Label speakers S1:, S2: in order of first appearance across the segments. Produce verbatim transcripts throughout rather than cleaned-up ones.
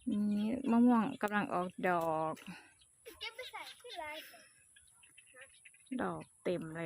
S1: นี่มะม่วงกำลังออกดอก
S2: เก็บไปใส่ที่ไร
S1: ดอกเต็มเลย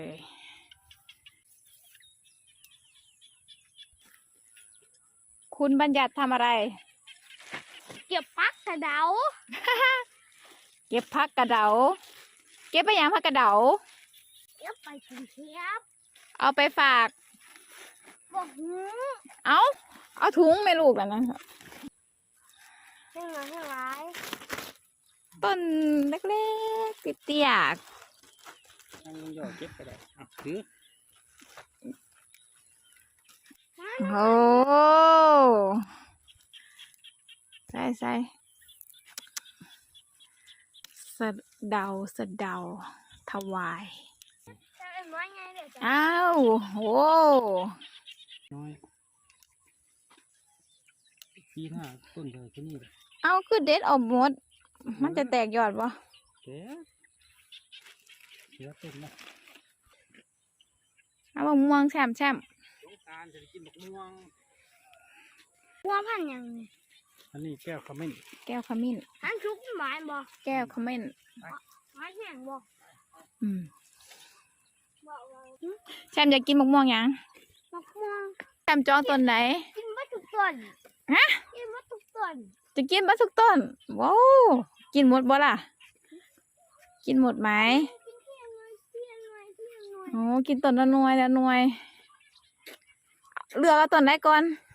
S1: คุณบัญญัติทำอะไร
S2: เก็บพักกระเดา
S1: เก็บผักกระเดา เก็บไปยังผักกระเดา
S2: เก็บไปกรุงเทพ
S1: เอาไปฝาก
S2: บอกหู
S1: เอาเอาถุงไม่ลูกแล้วนะ
S2: ให้มาให้ไร
S1: ต้นเล็กๆเตี้ย
S3: นั่งลงยอดเก็บไปได้อ่ะถือ
S1: ๆโอ้ใส่ใส่สะเดาสะเดาถวาย
S2: จะเป็นว่าไงเดี๋ยวจะ
S1: อ้าวโอ้
S3: น้อยปีหน้าต้นเลยที่นี่เลย
S1: เอาคือเด็ดออกหมด มันจะแตกยอดปะ
S3: เจ๊เสือต้นนะ
S1: เอามะม่วงแช่มแช่ม
S3: สงกรานต์จะกินมะม่วง
S2: หัวพันยังไง
S3: อันนี้แก้วขมิ้น
S1: แก้วขมิ้น
S2: หันชุกหมายบอก
S1: แก้วขมิ้น
S2: หมายแห้งบอก
S1: อืม
S2: บอกว่า
S1: แช่มอยากกินมะม่วงยัง
S2: มะม่วง
S1: แช่มจองต้นไหน
S2: กินวัตถุกต้น
S1: ฮะ
S2: กินวัตถุกต้น
S1: จะกินบัทุกต้น ว้าวกินหมดบ่ล่ะ กินหมดไหม
S2: กินเที่ยงหน่อยเที่ยงหน่อยเที่ยงหน่อย
S1: โอ้กินต้นละหน่วยละหน่วย เลือกเอาต้นไหนก่อน
S2: เ